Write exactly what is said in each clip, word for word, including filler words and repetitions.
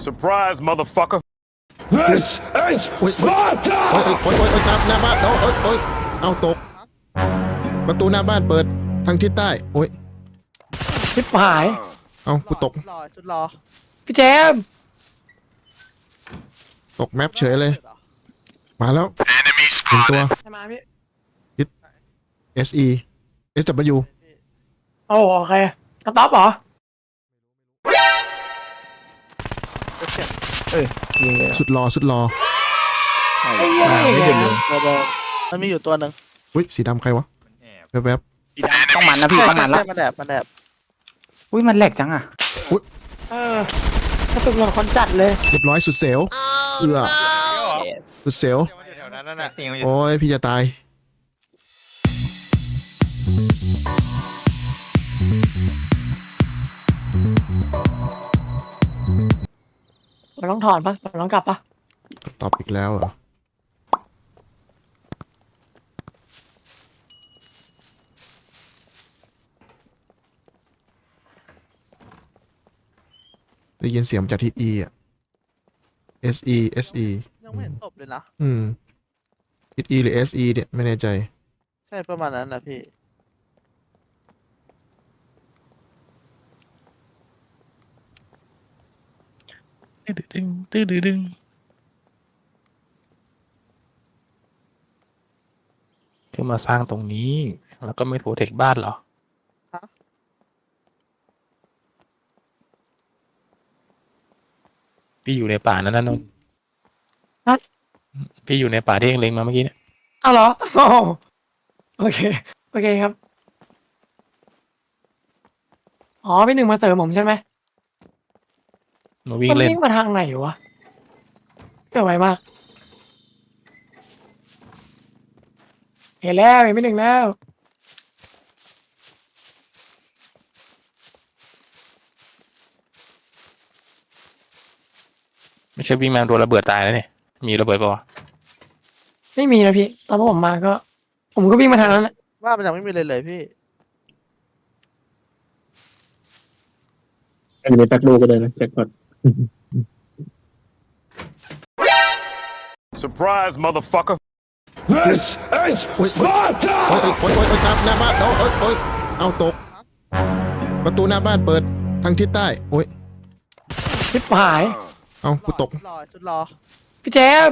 Surprise, motherfucker. This is Sparta! โอ้ยโอ้ยโอ้ยโอ้ยหน้าหน้าบ้านโอ้ยโอ้ยโอ้ยเอาตกประตูหน้าบ้านเปิดทางทิศใต้โอ้ยชิบหายเอากูตกสุดรอสุดรอพี่แจมตกแมปเฉยเลยมาแล้วหนึ่งตัวใช่ไหมพี่ S E S W โอ้โอเคกระต๊อบเหรอยิงเลยสุดรอสุดรอไอ้เหี้ยมานี่ไม่ไงหยุดเลยตัวเดิมมันมีอยู่ตัวหนึ่งอุ้ยสีดำใครวะแวบต้องมันนะพี่ต้องมันละใช่มันแดบมันแดบอุ้ยมันแหลกจังอ่ะเออกระตุกหลอนคนจัดเลยๆเรียบร้อยสุดเซลเอือสุดเซลแถวนั้นน่ะโอ้ยพี่จะตายเราต้องถอนปะเราต้องกลับปะตอบอีกแล้วเหรอได้ยินเสียงจากทิศ E อ่ะ S E S E ยังไม่เห็นศพเลยนะอืมทิศ E หรือ S E เนี่ยไม่แน่ใจใช่ประมาณนั้นนะพี่ตึ้งตึ้งตึ้งตึ้งเพื่อมาสร้างตรงนี้ แล้วก็ไม่โปรเทคบ้านเหรอพี่อยู่ในป่านั้นนะนนท์พี่อยู่ในป่าที่เองเล็งมาเมื่อกี้เนี่ยเอาเหรอโอ้โอเคโอเคครับอ๋อพี่หนึ่งมาเสริมผมใช่ไหมมาวิ่งมันเล่นวิ่งมาทางไหนวะเกิดไวมากเห็นแล้วเห็นพี่หนึ่งแล้วไม่ใช่วิ่งมาโดนระเบิดตายแล้วเนี่ยมีระเบิดปะวะไม่มีนะพี่ตอนพวกผมมาก็ ผมก็วิ่งมาทางนั้นแหละว่ามันยังไม่มีเลยเลยพี่อันนี้แพ็กลูกก็ได้นะแจ็คพอต Surprise, motherfucker. This is โอ้ยโอ้ย Sparta! โอ้ยโอ้ยโอ้ยโอ้ยหน้าหน้าบ้านโอ้ยโอ้ยโอ้ยเอาตกประตูหน้าบ้านเปิดทางทิศใต้โอ้ยชิบหายเอากูตกสุดรอสุดรอพี่แจม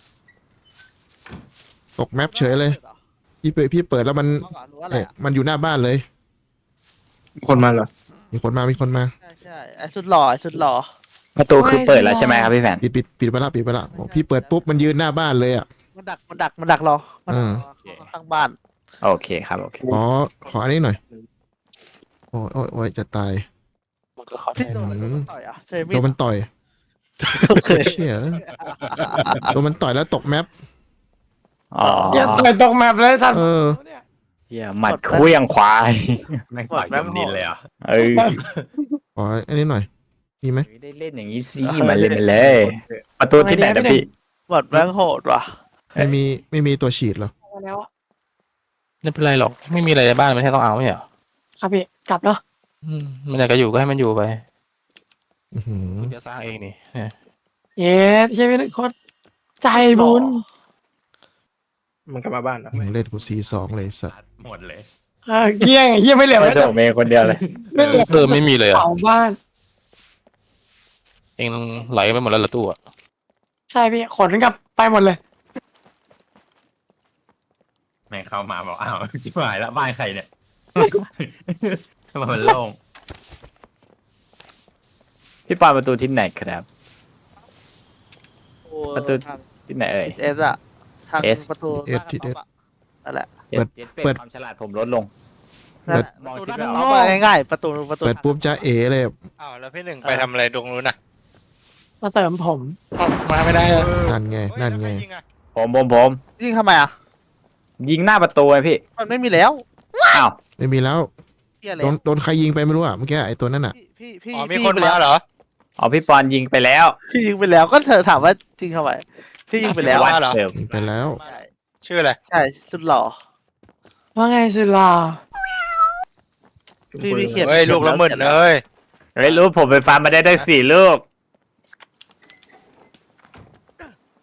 ตกแมปเฉยเลยพี่เปิดพี่เปิดแล้วมันเอาก่อนรู้อะไรเอ๊ะอ่ะมันอยู่หน้าบ้านเลยคนมาเหรอมีคนมามีคนมาใช่ใช่ไอ้สุดหล่อไอ้สุดหล่อประตูคือเปิดแล้วใช่ไหมครับพี่แฟนปิดปิดปิดไปละปิดไปละบอกพี่เปิดปุ๊บมันยืนหน้าบ้านเลยอ่ะมันดักมันดักมันดักรอมันเออข้างบ้านโอเคครับโอเคขอขออันนี้หน่อยโอ้ยโอ้ยโอ้ยจะตายที่โดนอะไรโดนต่อยอ่ะใช่มีโดดนมันต่อยโอเคเชี่ยโดนมันต่อยแล้วตกแมปอ๋ออย่าต่อยตกแมปเลยท่านเออเหี้ยหมัดเคลี้ยงควายแม่งต่อยจมดินเลยอ่ะเออขออันนี้หน่อยมีไหมได้เล่นอย่างนี้สิมาเล่นมาเลยประตูที่ไหนนะพี่หมดแม่งโหดว่ะไม่มีไม่มีตัวฉีดเหรอมาแล้วอะไม่เป็นไรหรอกไม่มีอะไรในบ้านไม่ใช่ต้องเอาไม่ใช่เหรอครับพี่กลับเนาะอืมมันอยากจะอยู่ก็ให้มันอยู่ไปอื้อหือคุณจะสร้างเองนี่เนี่ยเย้ใช่ไหมนึกโคตรใจบุญมันกลับมาบ้านเหรอมึงเล่นกูซีสองเลยสัตว์หมดเลยเออเกี้ยงเฮียไม่เหลือไม่ไว้ต้แต่องเมย์คนเดียวเลยไม่เหลือเออไม่มีเลยอ่ะเผาบ้านเองไหลไปหมดแล้วละตู้อ่ะใช่พี่ขนกลับไปหมดเลยแม่งเข้ามาบอกอ้าวจิ๋วหายแล้วบ้านใครเนี่ย ทำไมมันโล่งพี่ปาประตูที่ไหนครับโอ้ประตูทางที่ไหนเอ่ยเอสอะทาง S ประตูเอสที่เอสนั่นแหละเปิดเปิดความฉลาดผมลดลงนั่นแหละมองประตูคิดด้านไม่ออกนอกง่ายๆประตูประตูเปิดปุ๊บจะเอเลยอ้าวแล้วพี่หนึ่งไปทำอะไรตรงนู้นน่ะมาเสริมผมมาไม่ได้อะนั่นไงนั่นไงผมผมผมยิงทำไมอ่ะยิงหน้าประตูไงพี่มันไม่มีแล้วอ้าวไม่มีแล้วเที่ยเลโดยนโดนใครยิงไปไม่รู้อ่ะเมื่อกี้ไอ้ตัวนั้นอ่ะพี่พี่พี่อ๋อมีพี่คนยิงไปมาแล้วเหรออ๋อพี่ปอนยิงไปแล้วพี่ยิงไปแล้วก็เธอถามว่าจริงทำไมพี่ยิงไปแล้วว่าเหรอเดิมยิงไปแล้วใช่ชื่ออะไรใช่สุดหล่อว่าไงสุลาพี่พี่เขียนเฮ้ยลูกละหมื่นเลยเฮ้ยรู้ผมไปฟาร์มมาได้ได้สี่ลูก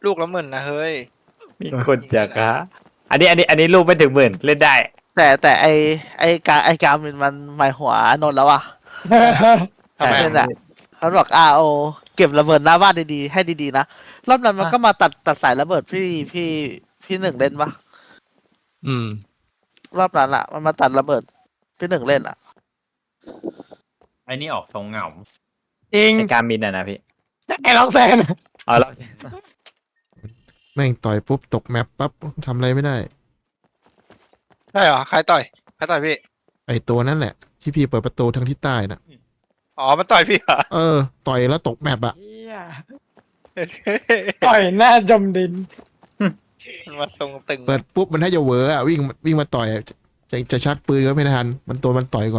ลูกละหมื่นนะเฮ้ยมีคนจากฮะอันนี้อันนี้อันนี้ลูกไม่ถึงหมื่นเล่นได้แต่แต่ไอไอการไอการมันมันหมายหัวนนท์แล้วอ่ะทำไมใช่แหละเขาบอกอาโอเก็บระเบิดหน้าบ้านดีๆให้ดีๆนะรอบนั้นมันก็มาตัดตัดสายระเบิดพี่พี่พี่หนึ่งเล่นปะอืมรอบนั้นอ่ะ มันมาตัดระเบิดพี่หนึ่งเล่นอ่ะไอ้นี่ออกทรงเหงาจริงในการมินอ่ะนะพี่ไอ้ล็อกแฟนเอาแล้วแม่งต่อยปุ๊บตกแมปปั๊บทำอะไรไม่ได้ใช่เหรอใครต่อยใครต่อยพี่ไอตัวนั่นแหละ ที่พี่เปิดประตูทางทิศใต้น่ะอ๋อมันต่อยพี่เหรอเออ ต่อยแล้วตกแมปอะเหี้ยต่อยหน้าจมดินมันมาทรงตึงเปิดปุ๊บมันให้จะเหวออะวิ่งวิ่งมาต่อยอะจะจะชักปืนก็ไม่ทัน มันตัวมันต่อยก่อน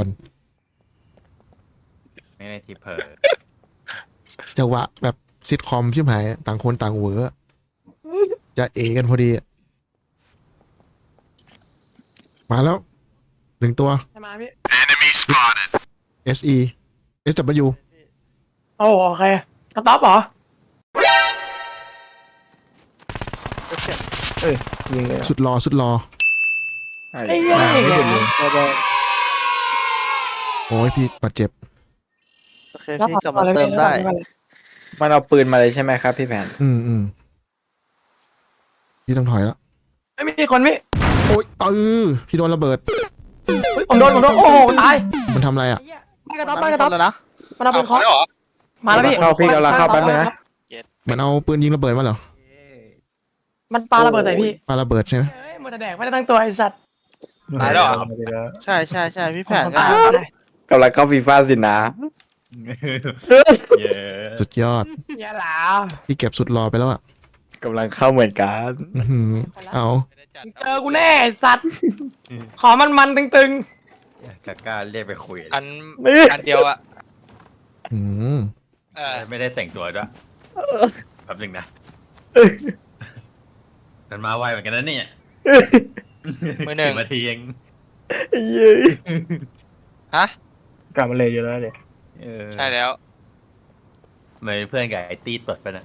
ไม่ได้ทีเพอจังหวะแบบซิทคอมชิบหายอะต่างคนต่างเหวออะจะเอกันพอดีอะมาแล้วหนึ่งตัวใช่ไหมพี่ Enemy spotted. S E S W โอ้โอเคกระต๊อบเหรอยิงเลยสุดรอสุดรอไอ้เหี้ยไม่ถึงเลยโอ้ยพี่บาดเจ็บโอเคพี่กลับมาเติมได้มันเอาปืนมาเลยใช่ไหมครับพี่แผนอืมอืมพี่ต้องถอยแล้วไม่มีคนพี่โอ้ยเออพี่โดนระเบิดเฮ้ยผมโดนผมโดนโอ้โหตายมันทำอะไรอ่ะไอ้เหี้ยไม่กระต๊อบไม่กระต๊อบแล้วนะมันเอาปืนเคาะแล้วเหรอมาแล้วพี่เข้าพี่กำลังเข้าแป๊บนึงนะมันเอาปืนยิงระเบิดมาเหรอมันปาระเบิดใส่พี่ปาระเบิดใช่ไหมเฮ้ยมันจะแดกไม่ได้ตั้งตัวไอ้สัตว์ตายแล้วเหรอใช่ใช่ใช่พี่แผนก็ตายตายกำลังเข้าฟีฟ่าสินะเย้สุดยอดอย่าหลาพี่เก็บสุดรอไปแล้วอ่ะกำลังเข้าเหมือนกันอื้อหือเอาไม่ได้จัดเจอกูแน่ไอ้สัตว์ ขอมันมันๆตึงกล้าเรียกไปคุยอันอันเดียวอะอืมเออไม่ได้แต่งตัวด้วยแป๊บนึงนะมันมาไวเหมือนกันนะเนี่ยมือหนึ่งสิบนาทีเองฮะกลับมาเลยอยู่แล้วเดี๋ยวเออใช่แล้วเหมือนเพื่อนกับไอ้ตีเปิดไปนะ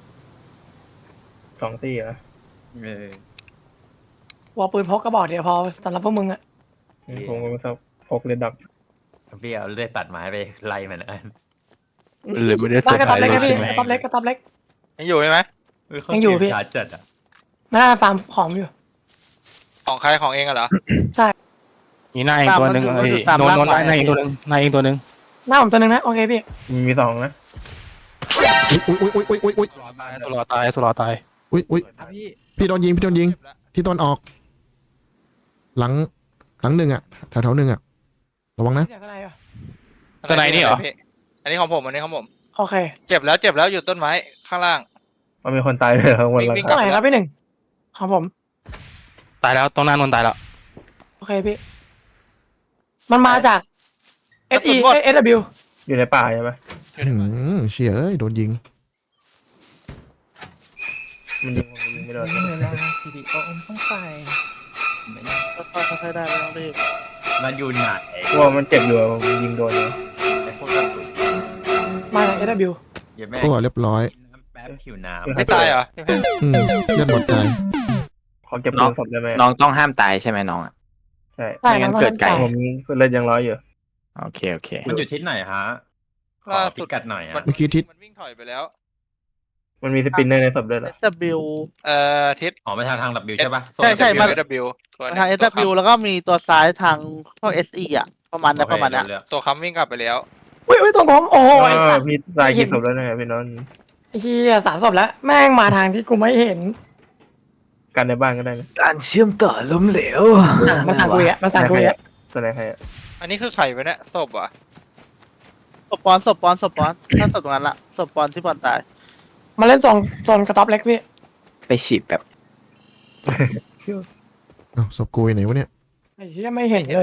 สองตีเหรอเออๆวัวปืนพกกระบอกเดียวพอสำหรับพวกมึงอะผมก็มาสับพกเลยดับพี่เอาเลื่อยตัดไม้ไปไล่มันนะหรือไม่ได้เซบ้าอน ร์กระไพรต๊อบเล็กส์นะใช่พี่ไหมกระต๊อบเล็กกระต๊อบเล็กยังอยู่ใช่ไหมยังอยู่พี่ชาร์จจัดอ่ะหน้าฟาร์มของอยู่ของใครของเองอะเหรอมีหน้าเองตัวหนึ่งไอ้โนนโนนหน้าเองตัวหนึ่งหน้าเองตัวหนึ่งหน้าผมตัวหนึ่งนะโอเคพี่มีมีสองนะอุ้ยอุ้ยอุ้ยอุ้ยอุ้ยอุ้ยสลอตายสลอตายอุ้ยอุ้ยครับพี่พี่โดนยิงพี่โดนยิงเก็บแล้วที่ตอนออก หลังหลังหนึ่งอ่ะแถวแถวหนึ่งอ่ะระวังนะเสียงอะไรอ่ะสไนด์นี่เหรอพี่อันนี้ของผมอันนี้ของผมโอเคเจ็บแล้วเจ็บแล้วอยู่ต้นไม้ข้างล่างมันมีคนตายเลยข้างบนวิ่งหลังวิ่งคาเท่าไหร่ครับพี่หนึ่งของผมตายแล้วตรงหน้านนตายแล้วโอเคพี่ มันมาจาก S E S W อยู่ในป่าใช่ไหมอืมเชี่ยเอ้ยโดนยิงมันยิงผมยิงไม่โดนทีดีโอต้องไปค่อยๆค่อยๆได้ไม่ต้องรีบมันอยู่ไหนเพราะว่ามันเจ็บอยู่อะผมยิงโดนเลยไอ้พวกกระสุนมาจาก S W อย่าแม่ก็เรียบร้อยแป๊บผิวน้ำไม่ตายเหรออืมเลือดหมดตายขอเก็บปืนศพได้ไหมน้องต้องห้ามตายใช่ไหมน้องอ่ะใช่ได้ไม่งั้นน้องเกิดไก่น้องผมเลือดยังร้อยอยู่โอเคโอเคมันอยู่ทิศไหนฮะขอล่าพิสุดกัดหน่อยอ่ะเมื่อกี้ทิศมันวิ่งถอยไปแล้วมันมีสปินเนอร์ในศพด้วยเหรอเอส ดับเบิลยูเอ่อทิศอ๋อไปทางทางดับบิวใช่ปะใช่ใช่มามา W ตัวทาง เอส ดับเบิลยู แล้วก็มีตัวซ้ายทางพวก เอส อี อ่ะ ประมาณนั้นประมาณนั้นตัวค้ำวิ่งกลับไปแล้วอุ้ยอุ้ยตรงผมโอ้โหไอ้เอสัอตว์พี่ตายกี่ศพแล้วเนี่ยพี่น้องไอ้เหี้ยสามศพแล้ว แม่งมาทางที่กูไม่เห็นกันในบ้านก็ได้นะการเชื่อมต่อล้มเหลวมาสั่งกูอ่ะมาสั่งกูอ่ะตัวไหนใครอะอันนี้คือไข่ไปเนี่ยศพเหรอ่ะศพปอนศพปอนศพปอนถ้าศพตรงนั้นละศพปอนที่ปอนตายมาเล่นโซนโซนกระต๊อบเล็กพี่ไปฉีดแบบเอ้าศพกูอยู่ไหนวะเนี่ยไอ้เหี้ยไม่เห็นเลย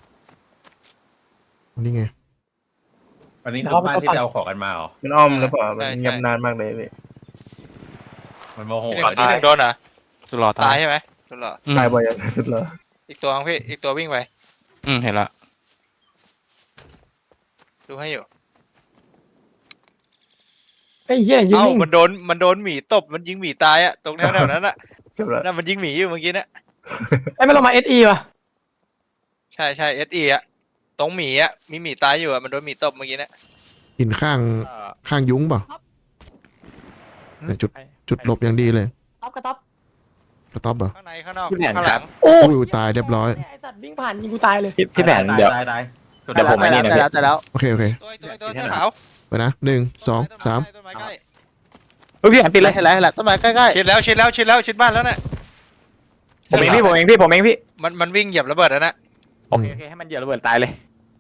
นี่ไงอันนี้เดี๋คืยวอบ้านเอาไปที่จะเอาของกันมาเหรอมันอ้อมหรือเปล่ามันยับนานมากเลยพี่มันโมโหพี่หนึ่เรางพี่หนึ่งโดนเหรอสลอตาตาย ยใช่ไหมโดนเหรออืมตายบ่อยอย่างสุดเลยอีกตัวนึงพี่อีกตัววิ่งไปอืมเห็นละดูให้อยู่ไอ้เหี้ยยืนเอ้านิ่งมันโดนมันโดนหมีตบมันยิงหมีตายอะตรงแถวๆนั้นอะเก็บแล้วนั่นมันยิงหมีอยู่เมื่อกี้เนี่ยไอ้ไม่ลงมาเอสอีว่ะใช่ใช่เอสเอะตรงหมีอะมีหมีตายอยู่อะมันโดนหมีตบเมื่อกี้เนี่ยหินข้างข้างยุ้งเปล่าเนี่ยจุดจุดหลบอย่างดีเลยต๊อปกระต๊อบกระต๊อบเหรอข้างในข้างนอกพี่แผนข้างคหรัลับงโอ้อุ้ยตายเรียบร้อยไอ้สัตว์วิ่งผ่านยิงกูตายเลยพี่พี่แผนเดี๋ยวตายตายเดี๋ยวผมไม่นี่นะแต่แล้วแต่แล้วโอเคโอเคตัวตัวตัวเสื้อขาวไปนะหนึ่งสองสามต้นไม้ใกล้เฮ้ยพี่แผนปิดเลยเห็นแล้วเห็นแล้วต้นไม้ใกล้ชิดแล้วชิดแล้วชิดแล้วชิดบ้านแล้วน่ะผมเองพี่ผมเองพี่ผมเองพี่มันมันวิ่งเหยียบระเบิดแล้วนะโอเคโอเคให้มันเหยียบระเบิดตายเลย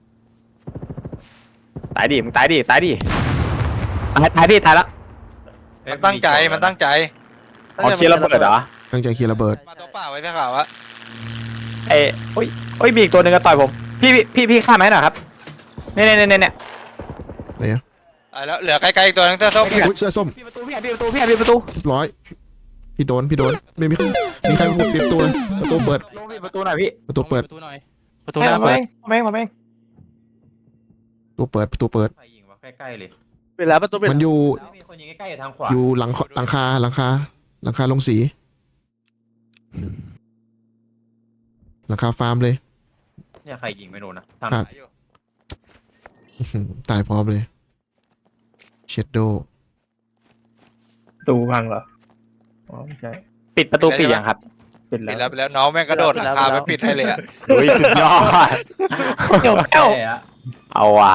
ตายดิมึงตายดิตายดิตายตายพี่ตายแล้วมันตั้งใจมันตั้งใจๆอ๋อเคลียร์ระเบิดเหรอตั้งใจเคลียร์ระเบิดมาตัวเปล่าไว้เสื้อขาวอะเอ้ยโอ้ยโอ้ยมีอีกตัวหนึ่งก็ต่อยผมพี่พี่พี่พี่ฆ่าไหมหน่อยครับเนี่ยเนี่ยเนี่ยเนี่ยตายแล้วเหลือไกลๆอีกตัวนึงเสื้อส้มอุ้ยเสื้อส้มพี่ประตูพี่แผนพี่ประตูพี่แผนพี่ประตูเรียบร้อยพี่โดนพี่โดนไม่มีใครมีใครพูดปิดประตูเลยประตูเปิดลงพี่ประตูหน่อยพี่ประตูเปิดประตูหน่อยประตูไอ้หน้าผมเปิเอดงผมเองผมเองประตูเปิดประตูเปิดใครยิงวะใกล้ๆเลยปิดแล้วประตูปิดมันอยู่มีคนยิงใกล้ๆทางขวาอยู่หลังหลังคาหลังคาหลังคาลงสีหลังคาฟาร์มเลยเนี่ยใครยิงไม่โดนนะทางครับ อื้อหือตายพร้อมเลยเชดโดตูพังเหรออ๋อไม่ใช่ปิดประตูปิดยังครับปิดปิดแล้แล้ว วไปแล้วน้องแม่งกระโดดหลังคาไปปิดให้เลยอะเฮ้ยสุดยอดเดี๋ยวเอ้าใช่อะเอาว่ะ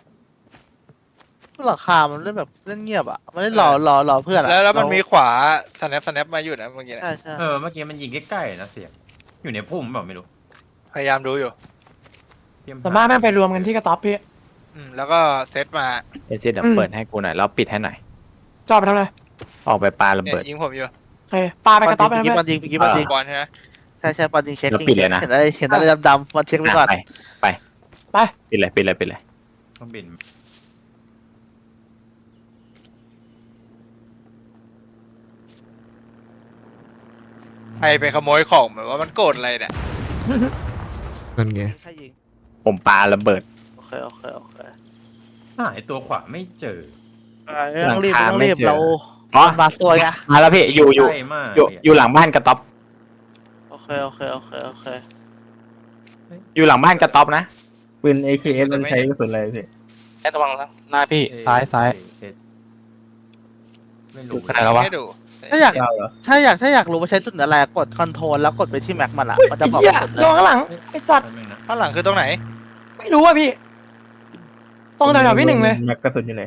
หลังคามันเล่นแบบเล่นเงียบอ่ะมันเล่นรอรอรอเพื่อนอะแล้วแล้วมันมีขวาสแนปสแนปมาอยู่นะเมื่อกี้เนี่ยใช่ใช่เออเมื่อกี้มันยิงใกล้ๆนะเสียงอยู่ในพุ่มแบบไม่รู้พยายามดูอยู่เตรียมส่วนมากแม่งไปรวมกันที่กระต๊อบพี่อืมแล้วก็เซตมาเอเซียเดี๋ยวเปิดให้กูหน่อยแล้วปิดให้หน่อยจอดไปทำอะไรออกไปปาระเนี่ยเบิดยิงผมอยู่โอเคปาไปกระต๊อบไปเมื่อทำกี้อะไรบอลยิงเมื่อกี้บอลยิงบอลใช่ไหมใช่ใช่บอลยิงเช็คแล้วปิดเลยนะเห็นอะไรเห็นอะไรดำๆบอลเช็คไปก่อนไปไปไปปิดเลยปิดเลยปิดเลยต้องบินใครไปขโมยของเหมือนว่ามันโกรธอะไรเนี่ยนั่นไงใช่ยิงผมปาระเบิดโอเคโอเคโอเคหาไอตัวขวาไม่เจออ่าไม่ต้องรีบหลังคาไม่ต้องรีบไม่เจอเราอ๋อมาสวยไงมาแล้วพี่อยู่อยู่ใกล้มากอยู่อยู่หลังบ้านกระต๊อบโอเคโอเคโอเคโอเคอยู่หลังบ้านกระต๊อบนะปืน เอ เค เอส มันใช้กระสุนอะไรพี่แอดระวังนะหน้าพี่ซ้ายซ้ายเอ๊ะไม่รู้ขนาดแล้ววะให้ดูถ้าอยากยาวเหรอถ้าอยากถ้าอยากรู้ว่าใช้สุดอะไรกดคอนโทรลแล้วกดไปที่แม็กมันอ่ะมันจะไอ้บอกเหี้ยสุดเลโดนยข้างหลังไอ้สัตว์แป๊บนึงนะข้างหลังคือตรงไหนไม่รู้อ่ะพี่ตรงแถวๆพี่หนึ่งเลยแม็กกระสุนอยู่ไหน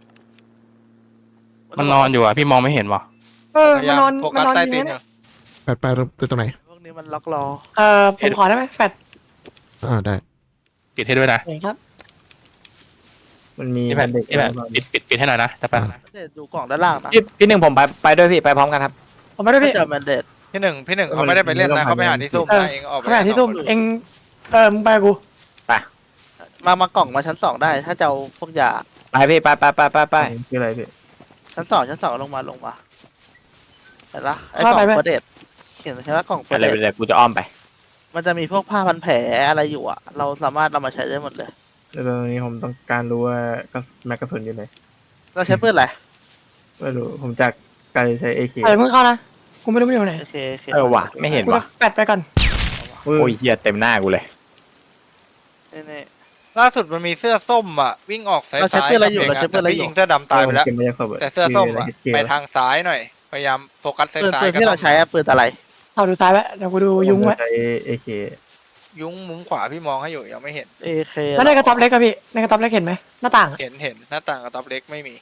มันนอนอยู่อ่ะพี่มองไม่เห็นวะเออพยามายนอนโฟมักัน สนอนใต้ยิงตีนนะอเนี่ยยู่แปดไปไปตรงไหนพวกนี้มันล็อกรอเออผมขอได้ไหมแฟดอ่าได้ปิดให้ด้วยนะเองครับมันมีพี่แผ่นเด็กพี่แผ่นปิดปิดปิดให้หน่อยนะจะไปเดี๋ยวดูกล่องด้านล่างนะพี่พี่หนึ่งผมไปไปด้วยพี่ไปพร้อมกันครับผมไม่ได้ถ้าพี่เจอแมนเดตพี่หนึ่งพี่หนึ่งเขาไม่ได้ไปเล่นนะเขาไปหาที่ซุ่มนะเองออกไปขณะที่ซุ่มเองเออมึงไปกับกูมามากล่องมาชั้นสองได้ ถ้าจะเอาพวกยาไปพี่ไปไปไปไปไปคืออะไรพี่ชั้นสองชั้นสองลงมาลงมาเห็นละไอ้กล่องเฟอร์เดตเห็นใช่ไหมกล่องเฟออะร์ไรเดตไปเลยกูจะอ้อมไปมันจะมีพวกผ้าพันแผลอะไรอยู่อ่ะ เราสามารถเอามาใช้ได้หมดเลยแล้วตอนนี้ผมต้องการรู้ว่าแม็กกระสุนอยู่ไหนเราใช้ปืนอะไรไม่รู้ ผมจากการใช้ เอ เคเออมึงเข้านะกูไม่รู้มันอยู่ไหนโอเคโอเคเออว่ะไม่เห็นกูจะว่ะแฟดไปก่อนโอ้โอ้ยยเหี้ยเต็มหน้ากูเลยนี่นี่ล่าสุดมันมีเสื้อส้มอ่ะวิ่งออกซ้ายเราใช้ซ้ายปืนอะไรอยู่เราใช้ปืนอะไรพี่อยู่ยิงเสื้อดำตายไปแล้วเก็บมาจากศพะแต่เสื้อส้มอ่ะเก็บไปไว้ทางซ้ายหน่อย พยายามโฟกัสซ้ายปืนซ้ายปืนที่เราใช้อะปืนอะไรเอาดูซ้ายไว้เดี๋ยวกูดูยุงไว้ใช้ เอ เคยุ้งมุมขวาพี่มองให้อยู่ยังไม่เห็นเอเคแล้วในกระต๊อบเล็กอะพี่ในกระต๊อบเล็กเห็นไหมหน้าต่างอะเห็นเห็นหน้าต่างกับต๊อบเล็กไม่มี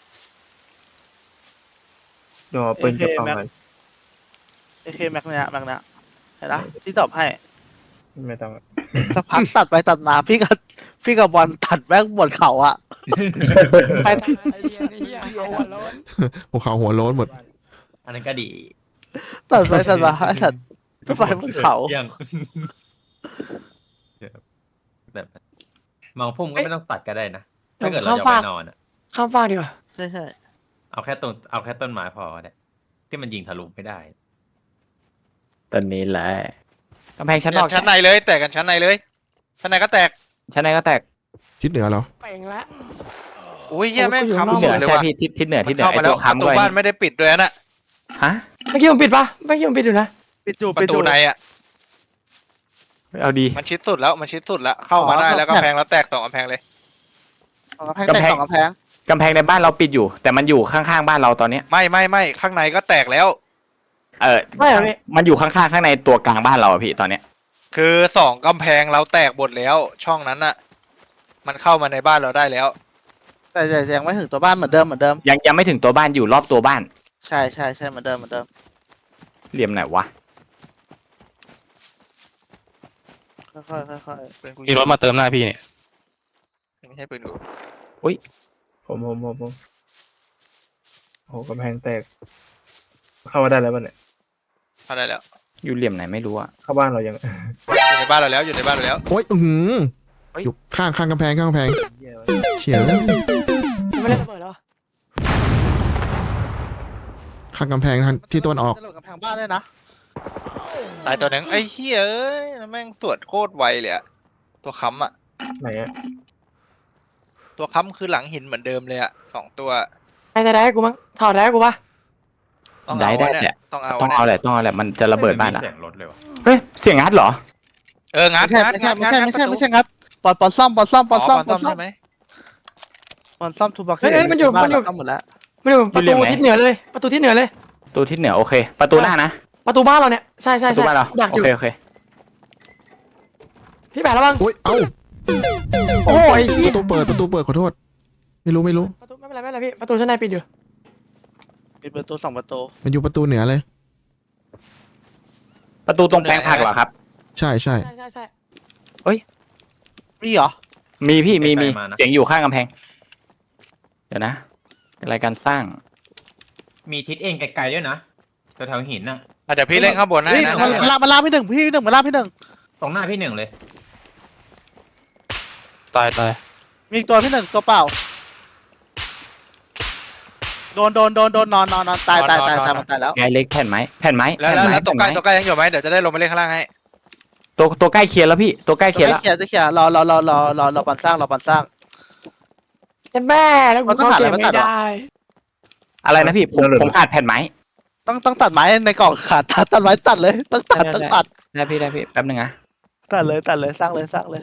เดี๋ยวเอาปืนกระเป๋าหน่อยเอเคแม็กเนี่ยแม็กเนี่ยเห็นละที่ตอบให้ไม่ต้องสักพักตัดไปตัดมาพี่กับพี่กับบอลตัดแม่งบนเขาอะไปไอ้เหี้ยไอ้เหี้ยเอาหัวโล้นภูเขาหัวโล้นหมดอันนั้นก็ดีตัดไปตัดมาไอ้สัตว์ตัดไปบนเขายังแบบมองพุ่มก็ไม่ต้องตัดก็ได้นะเดี๋ยถ้าว เกิดเราข้ามจะฟากไปนอนอ่ะข้ามฟากดีกว่าใช่ใช่เอาแค่ต้นเอาแค่ต้นไม้พอเนี่ยที่มันยิงทะลุไม่ได้ตอนนี้แหละกำแพงชั้นนแตอกกชั้นในเลยแตกกันชั้นในเลยชั้นในก็แตกชั้นในก็แตกทิศเหนือเหรอเป่งละอุ้ยเหี้ยแม่งโอ้ยค้ำทิศเหสุนืดอเลยใช่ว่ะพี่ทิศทิศเหนือมัทิศนเหนือเข้าไอมาแล้ตัว วประค้ำตูด้วยบ้านไม่ได้ปิดด้วยนะฮะเมื่อกี้ผมปิดปะเมื่อกี้ผมปิดอยู่นะปิดอยู่ปปิดระอตูยู่ในอ่ะเอาดีมันชิดสุดแล้วมันชิดสุดแล้วเข้ามาได้แล้วกำแพงแล้วแตกสองกำแพงเลยสองกำแพงแตกสองกำแพงกำแพงในบ้านเราปิดอยู่ แต่มันอยู่ข้างๆบ้านเราตอนเนี้ยไม่ไม่ไม่ข้างในก็แตกแล้วเออไม่เหรอพี่มันอยู่ข้างๆข้างในตัวกลางบ้านเราอะพี่ตอนเนี้ยคือสองกำแพงเราแตกหมดแล้ว ช่องนั้นน่ะ มันเข้ามาในบ้านเราได้แล้วแต่แต่ยังไม่ถึงตัวบ้านเหมือนเดิมเหมือนเดิมยังยังไม่ถึงตัวบ้านอยู่รอบตัวบ้านใช่ใช่ใช่เหมือนเดิมเหมือนเดิมเหลี่ยมไหนวะค่อยๆค่อยปืนกูมีรถมาเติมหน้าพี่เนี่ยไม่ใช่ปืนกูผมผมผมผมโอ้โหกำแพงแตก เข้ามาได้แล้วป่ะเนี่ยเข้าได้แล้วอยู่เหลี่ยมไหนไม่รู้อะเข้าบ้านเรายังอยู่ในบ้านเราแล้วอยู่ในบ้านเราแล้วโอ้ยอือหืออยู่ข้างข้างกำแพงข้างกำแพงเฉียวยังไม่ได้ระเบิดเหรอข้างกำแพงทางๆที่ตะวันออกจะหลุดกำแพงบ้านด้วยนะตายตัวหนึงไอ้เหี้ยเอ้ยแม่งสวดโคตรไวเลยอะตัวค้ำอะไหนอะตัวค้ำคือหลังหินเหมือนเดิมเลยอะสองตัวไอ้ได้ได้กูมั้งถอดได้กูปะต้องได้เอาได้เนี่ยแหละต้องเอาต้องเอาแหละต้องเอาแหละมันจะระเบิดบ้านอะเสียงรถเลยวะเฮ้ยเสียงงัดเหรอเอองัดไม่ใช่งัดไม่งัใช่ดไม่งัดใช่งัดไม่ประตูใช่ไม่ใช่งัดปอนปอนซ่อมปอนซ่อมปอนซ่อมอ๋อปอนซ่อมใช่ไหมปอนซ่อมทูบ็อกเฮ้ยเฮ้ยมันอยู่มันอยู่ซ่อมหมดแล้วไม่รู้ประอยู่เหลี่ตูยมไหนทิศเหนือเลย ประตูทิศเหนือเลยตัวทิศเหนือโอเค ประตูหน้านะประตูบ้านเราเนี่ยใช่ปใช่ระตูใช่บ้านเราดักโออยู่เคโอเคพี่แปะระวังโอ้ยเอ้าโอ้ยปพี่ระตูเปิดประตูเปิดขอโทษ ไม่รู้ไม่รู้ประตูไม่เป็นไรไม่เป็นไรพี่ประตูชั้นในปิดอยู่ปิดประตูสองประตูมันอยู่ประตูเหนือเลยประตูตรงแปลงผักเหรอครับใช่ใช่ใช่ใช่ใช่มีเหรอมีพี่มีมีเสียงอยู่ข้างกำแพง เดี๋ยวนะเป็นรายการสร้างมีทิศเองไกลๆด้วยนะแถวๆหินน่ะอ่ะเดี๋ยวพี่เล่นข้างบนให้นี่นะมันลากมาลากพี่หนึ่งพี่หนึ่งมาลากพี่หนึ่งตรงหน้าพี่หนึ่งเลยตายตายมีอีกตัวพี่หนึ่งตัวเปล่าโดนโดนโดนโดนนอนนอนนอนตายตายตายตายมันตายแล้วไงเล็กแผ่นไม้แผ่นไม้แล้วแผ่นแล้วไม้แล้วตัวใกล้แผ่นไม้ตัวใกล้ยังอยู่ไหมเดี๋ยวจะได้ลงไปเล่นข้างล่างให้ตัวตัวใกล้เคลียร์แล้วพี่ตัวใกล้เคลียร์แล้วจะเขียนจะเขียนรอรอรอรอรอรอปันสร้างรอปันสร้างเจ็บแม่แล้วกูมันต้องเข้าหาเกอะไรมมาไม่ตัดเหรอได้อะไรนะพี่ผมผมขาดแผ่นไม้ต้องต้องตัดไม้ในกล่องขาดตัดตัดไม้ตัดเลยต้องตัดต้องตัดได้พี่ได้พี่แป๊บนึงนะตัดเลยตัดเลยสร้างเลยสร้างเลย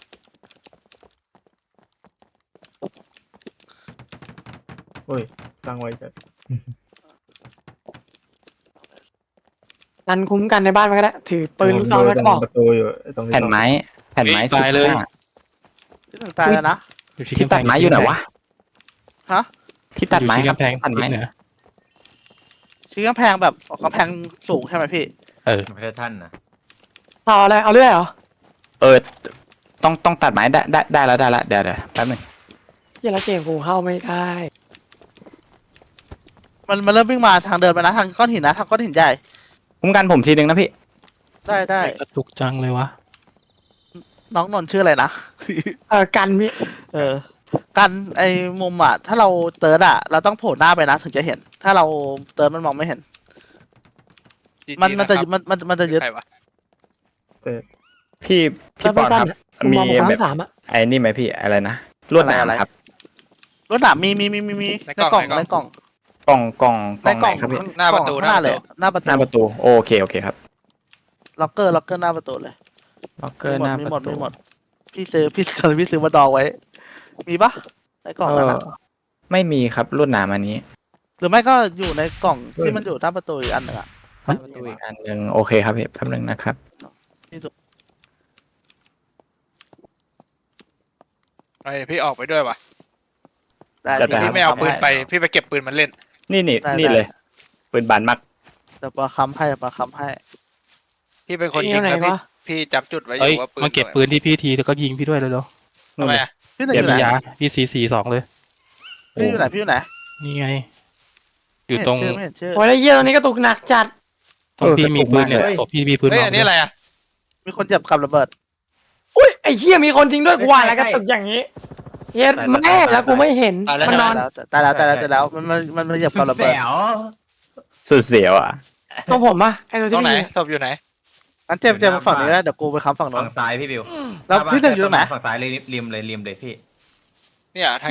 โอ้ยตั้งไว้จะนันคุ้มกันในบ้านมันก็ได้ถือปืนลูกซองแล้วก็บอกประตูอยู่ตรงแผ่นไม้แผ่นไม้ตายเลยสิบห้าที่หนึ่งตายแล้วนะอยู่ที่ที่กำแพตังดไม้อยู่ไหนวะฮะที่ตัดไม้อยู่ที่ครับกำแพงตัดไม้ทิศเหนือชี้กำแพงแบบกำแพงสูงใช่ไหมพี่เออไม่ใช่ท่านนะต่ออะไรเอาเรื่อยเหรอเออต้องต้องตัดไม้ได้ได้ได้แล้วได้แล้วเดี๋ยวเดี๋ยวแป๊บนึงเหี้ยแล้วเกมกูเข้าไม่ได้มันมันเริ่มวิ่งมาทางเดินไปนะทางก้อนหินนะทางก้อนหินใหญ่คุ้มกันผมทีนึงนะพี่ได้ได้กระตุกจังเลยวะน้องนนท์ชื่ออะไรนะเออกันพี่เออกันไอ้มุมอ่ะ ถ้าเราเติร์ดอ่ะ เราต้องโผล่หน้าไปนะถึงจะเห็น ถ้าเราเติร์ดมันมองไม่เห็นจีจีมันมันจะครับมันมันมันจะยึดใครวะพี่พี่ปอนครับมีมีสามแบบสามอะไอ้นี่ไหมพี่อะไรนะลวดหนามครับรถหนามมีมีมีมีมีในกล่องในกล่องกล่องกล่องกในล่องกล่องไหนครับพี่หน้าประตูข้างหน้าเลยหน้าประหน้าตูประตูโอเคโอเคครับล็อกเกอร์ล็อกเกอร์หน้าประตูเลยล็อกเกอร์หน้ามีปหมดระตูมีหมดพี่ซื้อพี่ซื้อพี่ซื้อมาดองไว้ มีปะในกล่องเอนั้นออะไม่มีครับลวดหนามอันนี้หรือไม่ก็อยู่ในกล่องที่มันอยู่หน้าประตูอีกอันหนึ่งอะหน้าประตูอีกอันหนึ่งโอเคครับพี่แป๊บนึงนะครับไอ้พี่ออกไปด้วยวะได้จะได้พี่ไม่เอาปืนไปพี่ไปเก็บปืนมันเล่นนี่นี่ได้นี่ได้เลยปืนบานมักเดี๋ยวปลาคำให้เดี๋ยวปลาคำให้พี่เป็นคนยิเที่งไหนแล้วพี่วะพี่จับจุดไว้อเอ้ยยู่ว่าปืนมาเก็บปืนที่พี่ทีแล้วก็ยิงพี่ด้วยเลยเร็วทำไมอะพี่หนึ่งเดี๋อยวยู่ไหนมียาพี่สี่สี่สองเลยพี่อยู่ไหนพี่อยู่ไหนนี่ไง อไม่ยู่เห็นตรงชื่อไม่เห็นชื่อโอ้ยแล้วเยี่ยตรงนี้กระตุกหนักจัดตรงพี่มีปืนเนี่ยศพพี่มีปืนเฮ้ยบอันนี้อะไรอะมีคนเจ็บกับระเบิดอุ้ยไอ้เหี้ยมีคนจริงด้วยกูว่าแล้วกระตุกอย่างนี้เฮ็ดแม่แล้วกูไม่เห็นตายแล้วมันนอนตายแล้วตายแล้วตายแล้วตายแล้วมันมันมันมันเหยียบกับระเบิดสุดเสียวอ่ะตรงผมปะไอ้ตัวตรที่งไหนมีศพอยู่ไหนงั้นเจ็บเจ็บมาฝั่งนี้แล้วเดี๋ยวกูไปค้ำฝั่งโน้ฝั่นงซ้ายพี่บิวแล้วพี่หนึ่งอยู่ตรงไหนฝั่งซ้ายเลยริมเลยริมเลยพี่เนี่ยทางเนี้ย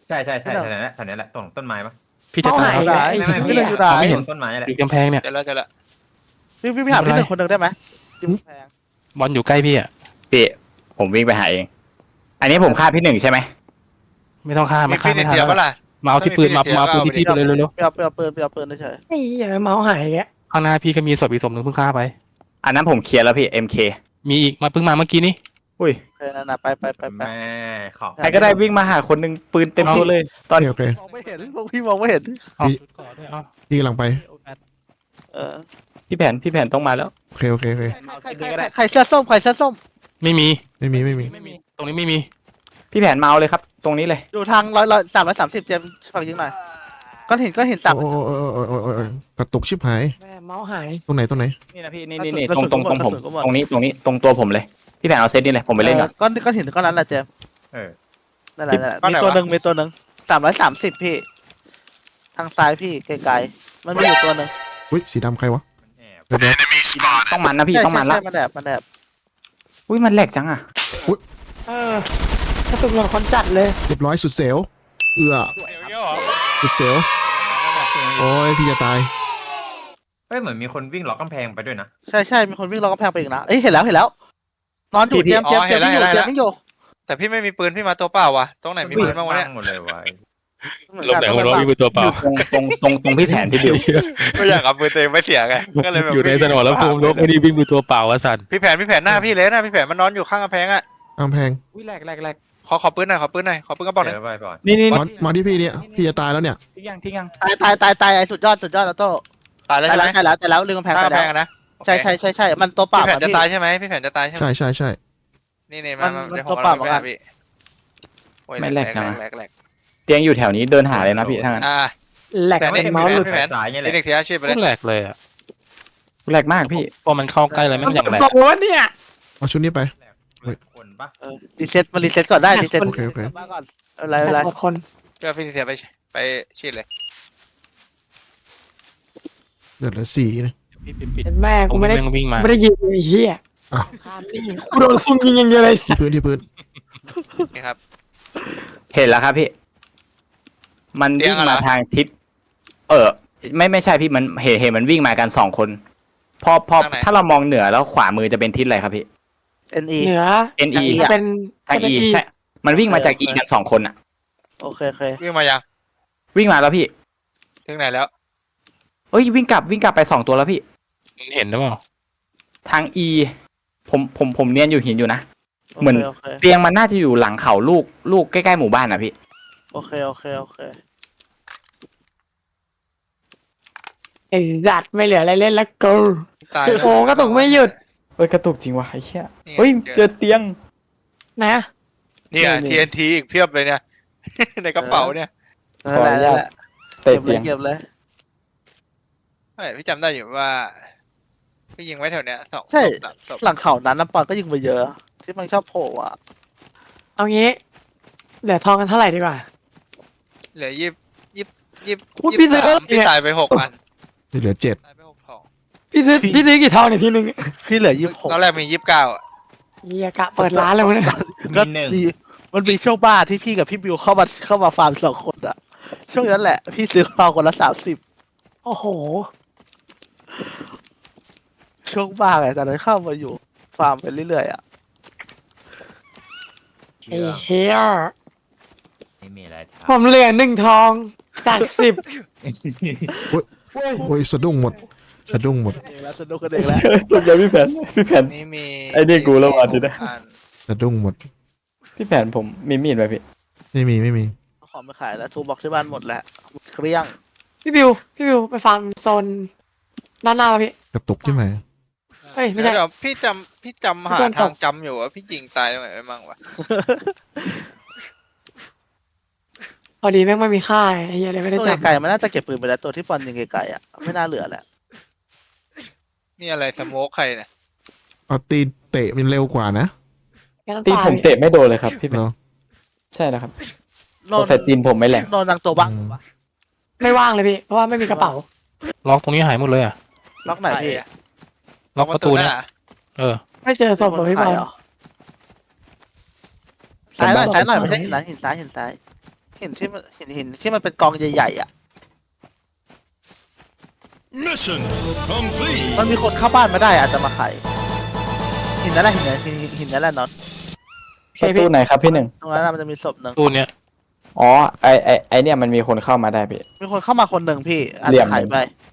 ใช่ใช่ใช่แถวนั้นแหละแถวนั้นแหละตรงต้นไม้ปะพี่จะเขาตาหาย ยแล้วแล้วไอ้ไม่ไม่เหี้พี่ยอยู่ไหนไม่เห็นต้นไม้อะไรติดกำแพงเนี่ยเจอแล้วเจอแล้วพี่พี่พี่หาพี่หนึ่งคนหนึ่งได้ไหมจิ้มแพงบอลอยู่ใกล้พี่อ่ะพี่ผมวิ่งไปหาเอง อันนี้ผมฆ่าพี่หนึ่งใช่ไหมไม่ต้องฆ่ามีมาฟิฆ่านิไม่ชทันเดียวแล้วปะล่ะมาเอาที่ปืนมาถ้ามีมาเอาปืนฟินิชที่พี่ไปเลยเร็วไปเอาไปเอาปืนไปเอาปืนเฉยไอ้เหี้ยเมาส์หายแกๆข้างหน้าพี่ก็มีศพอีกศพหนึ่งเพิ่งฆ่าไปอันนั้นผมเคลียร์แล้วพี่ เอ็ม เคมีอีกมาเพิ่งมาเมื่อกี้นี้อุ้ยโอเคนั่นนะไปไปไปไปแม่ขอใครก็ได้วิ่งมาหาคนหนึ่งปืนเต็มตัวเลย ตอนโอเคโอเคมองไม่เห็นพวกพี่มองไม่เห็นเอาพี่ชุดก่อนด้วยเอาพี่กำลังไปเออพี่แผนพี่แผนต้องมาแล้วโอเคโอเคโอเคใครใครใครใครเสื้อส้มใครเสื้อส้มไม่มีไม่มีไม่มีไม่มี ตรงนี้ไม่มีพี่แผนมาเอาเลยครับ ตรงนี้เลยอยู่ทางร้อยร้อยสามร้อยสามสิบเจมส์ฝากยิงหน่อยก้อนหินก้อนหินสามโอ้โอ้โอ้โอ้โอ้โอ้โอ้กระตุกชิบหายแม่เมาส์หายตรงไหนตรงไหนนี่นะพี่นี่นี่นี่ตรงตรงตรงผม ตรงนี้ตรงนี้ตรงตัวผมเลย พี่แผนเอาเซตนี่เลยผมไปเล่นก่อนก้อนก้อนหินก้อนนั้นแหละเจมส์เออนั่นแหละนั่นแหละมีตัวหนึ่งมีตัวหนึ่งสามร้อยสามสิบพี่ ทางซ้ายพี่ไกลๆมันมีอยู่ตัวหนึ่งอุ้ยสีดำใครวะแอบเดี๋ยวเดี๋ยวต้องมันนะพี่ใช่ต้องมันละใช่มันแดบมันแดบอุ้ยมันแหลกจังอ่ะเออกระตุกเหมือนคนจัดเลยเรียบร้อยสุดเซลลเอื้อสุดเซลลโอ้ยพี่จะตายเฮ้ยเหมือนมีคนวิ่งล็อกกำแพงไปด้วยนะใช่ใช่มีคนวิ่งล้อกำแพงไปอีกนะเอ้ยเห็นแล้วเห็นแล้ว นอนอยู่เจมส์เจมส์เจมส์วิ่งอยู่เจมส์วิ่งอยู่แต่พี่ไม่มีปืนพี่มาตัวเปล่าวะตรงไหนมีปืนบ้างวะเนี่ยหมดเลยวะลงไหนหัวเราะวิ่งไปตัวเปล่าตรงตรงตรงตรงพี่แผนที่บิวไม่อยากเอาปืนตัวเองไปเสียไงก็เลยแบบอยู่ในสนามแล้วภูมิรบไม่ได้วิ่งไปตัวเปล่าวะสันพี่แผนพี่แผนหน้าพี่เลยนะพี่แผนมันนอนอยู่ข้างกำแพงอ่ะกำแพงอุ้ยแหลกแหลกแหลกขอขอปืนหน่อยขอปืนหน่อยขอปืนกระบอกหน่อยเดี๋ยวไปก่อนนี่นี่มามาที่พี่เนี่ยพี่จะตายแล้วเนี่ยทิ้งยังทิ้งยังตายตายตายตายไอ้สุดยอดสุดยอดแล้วโต้ตายแล้วตายใช่ไหมแล้วตายแล้วตายแล้วลืมกำแพงข้างไปกำแพแล้วงอะนะใช่ใช่ใช่ใช่มันตัวเปล่าพี่แผนอะจะพี่ตายใช่ไหมพี่แผนจะตายใช่ไหมใช่ใช่ใช่นี่นี่มามามันเดี๋ยวตัวผมเปล่าเอาเหมือนกันไปพี่โอ้ยไม่แหลกจังอะแหลกแหลกเตียงอยู่แถวนี้เดินหาเลยนะพี่ถ้างั้นอ่าแหลกแต่นี่เมาส์หลุดพี่แผนสายเงี้ยแหนี่ละเด็กเสียอาชีพไปเลยแหลกเลยอ่ะแหลกมากพี่พอมันเข้าใกล้เลยไม่งอย่างแหลกบอกว่าเนี่ยเอาชุดนี้ไปคนปะเออรีเซ็ตมันรีเซ็ตก่อนได้รีเซ็ตโอเคโอเคมาก่อนอะไรอะไรหมดคนเพื่อพี่เสียไปไปชีดเลยเดือดละสี่นะพี่ปิดปิดเห็นแม่ผกูมไม่ได้วิ่งวิ่งมาไม่ได้ยิงไอ้เหี้ยอ้าวกูโดนซุ่มยิงอย่างเดียวเลยที่พื้นที่พื้นนี่ครับเห็นแล้วครับพี่ มันเตียวิ่งงอะเหรมาอทางทิศ เออ ไม่ไม่ใช่พี่มันเห็นเห็นมันวิ่งมากันสองคน พอพอถ้าเรามองเหนือแล้วขวามือจะเป็นทิศอะไรครับพี่เอ็นอีเหนือเอ็น อีจะเป็นทางจะเป็นอี E ใช่ มันวิ่งมาจากอีกันสองคนอ่ะโอเคโอเควิ่งมายังวิ่งมาแล้วพี่ถึงไหนแล้วเอ้ยวิ่งกลับวิ่งกลับไปสองตัวแล้วพี่เห็นหรือเปล่าทางอีผมผมผมเนียนอยู่หินอยู่นะ เหมือนโอเคเตียงมันน่าจะอยู่หลังเขาลูกลูกใกล้ๆหมู่บ้านอ่ะพี่โอเคโอเคโอเคไอ้จัดไม่เหลืออะไรเล่นแล้วกูตายโอ้กระตุกไม่หยุดเอ้ยกระตุกจริงว่ะไอ้เหี้ยนี่เฮ้ยเจเจออเตียงไหนอะเนี่ยนี่ที เอ็น ที อีกเพียบเลยเนี่ย ในกระเป๋าเนี่ยนั่นแหละนั่นแหละเตะเก็บเลเตียยงเก็บเลยเฮ้ยพี่จำได้อยู่ว่าพี่ยิงไว้แถวเนี้ยสองใช่ศพสามศพหลังเขานั้นน้ำปอนก็ยิงไปเยอะ ที่มันชอบโผล่อะเอางี้เหลือทองกันเท่าไหร่ดีกว่าเหลือยี่ยี่ยี่อุ๊ยยี่พี่ซื้อสามเนี่ยพี่ตายไปหกอันที่เหลือเจ็ดตายไปหกทองพี่ซื้อพี่ซื้อกี่ทองเนี่ยทีนึงพี่เหลือยี่สิบหกตอนแรกมียี่สิบเก้าอ่ะเฮียกะเปิดร้านเลยมั้งเนี่ยก็มีหนึ่งมีมันมีช่วงบ้าที่พี่กับพี่บิวเข้ามาเข้ามาฟาร์มสองคนอะช่วงนั้นแหละ พี่ซื้อข้าวคนละสามสิบโอ้โหช่วงบ้าไงตอนนั้นเข้ามาอยู่ฟาร์มไปเรื่อยๆอะไอ้เฮียไม่มีอะไรผมเหลือหนึ่งทองจากสิบโอ้ยสะดุ้งหมดสะดุ้งหมดเองแล้วสนุกกันเองแล้วตุกใจพี่แผนพี่แผนนี่มีไอ้นี่กูแล้วว่ะทีนะอันสะดุ้งหมดพี่แผนผมมีมีดไหมพี่ไม่มีไม่มีของไปขายแล้วทูบอกที่บ้านหมดแล้วเครี้ยงพี่บิวพี่บิวไปฟาร์มโซนด้านหน้าป่ะพี่กระตุกใช่ไหมเฮ้ยไม่ใช่เดี๋ยวพี่จำพี่จำหาพี่จำตกทางจำอยู่ว่าพี่ยิงตายตรงไหนไปมั่งวะพอดีแม่งไม่มีค่าไอ้เฮียเลยไม่ได้ตัวจับไกลๆมันน่าจะเก็บปืนไปแล้วตัวที่ปอนยิงไกลๆอะไม่น่าเหลือแหละนี่อะไรสโมกใครเนี่ยเอาตีนเตะมันเร็วกว่านะแค่น้ำตีตาผมพี่เตะไม่โดนเลยครับพี่แผนเนาะใช่นะครับโนโปรนเฟตตีนผมไม่แหลกโนนนังตัวบ้างปะไม่ว่างเลยพี่เพราะว่าไม่มีกระเป๋าล็อกตรงนี้หายหมดเลยอ่ะล็อกไหนพี่ล็อกประตูเนี่ยหาเออไม่เจอศพของพี่บอลซ้ายหน่อยซ้ายหน่อยไม่ใช่หินซ้ายหินซ้ายหินซ้ายหินที่มันหินหินที่มันเป็นกองใหญ่ๆอ่ะ Mission complete. มันมีคนเข้าบ้านมาได้อาจจะมาไขหินนั่นแหละหินนั่นหินหินหินนั่นแหละน็อตประตูไหนครับพี่หนึ่งตรงนั้นน่ะมันจะมีศพหนึ่งตู้เนี้ยอ๋อไอไอไอเนี่ยมันมีคนเข้ามาได้พี่มีคนเข้ามาคนหนึ่งพี่อาจเหลี่ยจะมไขไป